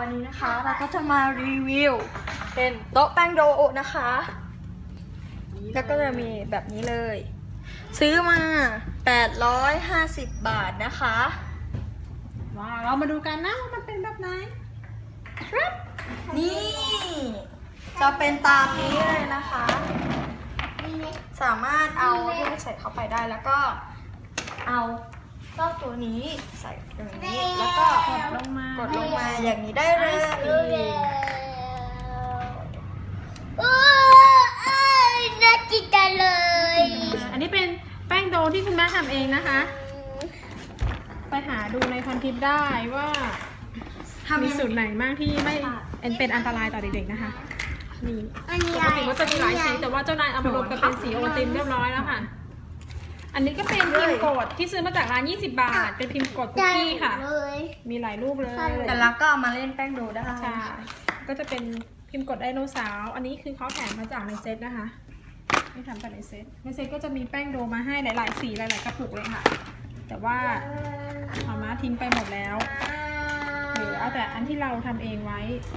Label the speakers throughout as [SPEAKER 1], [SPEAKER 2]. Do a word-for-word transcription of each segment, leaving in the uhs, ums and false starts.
[SPEAKER 1] วันนี้นะคะเราก็จะมารีวิวเป็นโต๊ะแป้งโดนะคะ แล้วก็จะมีแบบนี้เลย ซื้อมาแปดร้อยห้าสิบบาทนะคะ
[SPEAKER 2] ว้าวเรามาดูกันนะว่ามันเป็นแบบไหนครับ
[SPEAKER 1] นี่จะเป็นตามนี้เลยนะคะ สามารถเอาที่ใส่เข้าไปได้แล้วก็เอาเจ้าตัวนี้ใส่อย่างนี้แล้วก็
[SPEAKER 2] กดลงมาก
[SPEAKER 1] ดลงมาอย่างนี้ได้เลย
[SPEAKER 3] โอ้ยน่าจิตใจเลย
[SPEAKER 2] อันนี้เป็นแป้งโดที่คุณแม่ทำเองนะคะ ไปหาดูในพันทิปได้ว่ามีสูตรไหนบ้างที่ไม่เป็นอันตรายต่อเด็กๆนะคะนี่ปกติก็จะมีหลายสีแต่ว่าเจ้านายเอามารวมกันเป็นสีโอวัลตินเรียบร้อยแล้วค่ะอันนี้ก็เป็นพิมพ์กดที่ซื้อมาจากร้านยี่สิบบาทเป็นพิมพ์กดคุกกี้ค่ะมีหลายรูปเลย
[SPEAKER 1] แต่เราก็เอามาเล่นแป้งโดได้
[SPEAKER 2] ใช่ก็จะเป็นพิมพ์กดไดโนเสาร์อันนี้คือเขาแถมมาจากในเซตนะคะไม่ทำจากในเซตในเซตก็จะมีแป้งโดมาให้หลายๆสีหลายๆกระปุกเลยค่ะแต่ว่าเอามาทิ้งไปหมดแล้วหรือเอาแต่อันที่เราทำเองไว้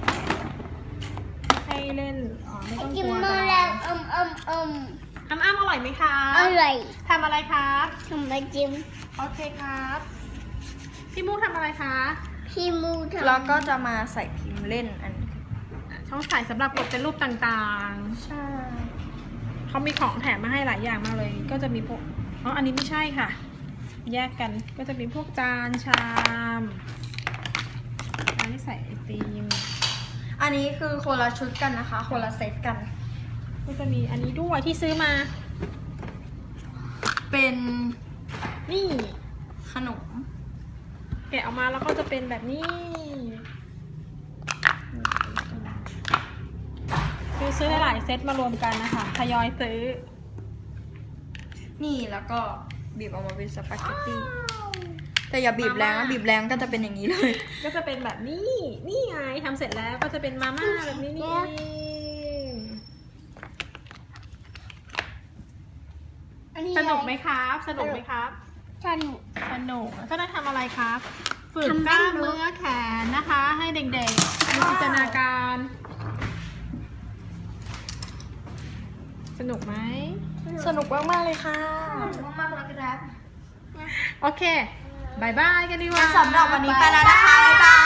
[SPEAKER 2] ให้เล่นอ๋อไม่ต้องก
[SPEAKER 3] กิน
[SPEAKER 2] ลัว
[SPEAKER 3] มา
[SPEAKER 2] กัน
[SPEAKER 3] แล้วอมอมอม
[SPEAKER 2] อ้ำอ้ำอร่อยไหมคะ
[SPEAKER 3] อร่อย
[SPEAKER 2] ทำอะไรครับ
[SPEAKER 3] ทำมาจิ้ม
[SPEAKER 2] โอเคครับพี่มูทำอะไรคะ
[SPEAKER 3] พี่มูทำ
[SPEAKER 1] แล้วก็จะมาใส่พิมพ์เล่นอัน
[SPEAKER 2] ช่องใส่สำหรับกดเป็นรูปต่างๆ
[SPEAKER 1] ใช่
[SPEAKER 2] เขามีของแถมมาให้หลายอย่างมากเลย ก็จะมีพวก อ๋อ อันนี้ไม่ใช่ค่ะ แยกกัน ก็จะมีพวกจานชามอันนี้ใส่ไอติม
[SPEAKER 1] อันนี้คือคนละชุดกันนะคะ คนละเซตกัน
[SPEAKER 2] ก็จะมีอันนี้ด้วยที่ซื้อมา
[SPEAKER 1] เป็น
[SPEAKER 2] นี่
[SPEAKER 1] ขนม
[SPEAKER 2] แกะออกมาแล้วก็จะเป็นแบบนี้ คือซื้อหลายๆเซตมารวมกันนะคะ ทยอยซื้อ
[SPEAKER 1] นี่แล้วก็บีบออกมาเป็นสปาเกตตี้ แต่อย่าบีบแรงนะบีบแรงก็จะเป็นอย่างนี้เลย
[SPEAKER 2] ก็จะเป็นแบบนี้ นี่ไงทำเสร็จแล้วก็จะเป็นมาม่าแบบนี้นี่เองสนุกไหมครับ สนุกไหมครับ
[SPEAKER 3] สนุก
[SPEAKER 2] สนุกก็ได้ทำอะไรครับ ฝึกกล้ามเนื้อแขนนะคะ ให้เด็กๆมีจินตนาการ สนุกไหม
[SPEAKER 1] สนุกมากๆเลยค่ะ
[SPEAKER 3] สนุกมากเลยครับ
[SPEAKER 2] โอเคบายบายกันดีกว่า
[SPEAKER 1] สำหรับวันนี้ไปแล้วนะคะ บ๊ายบาย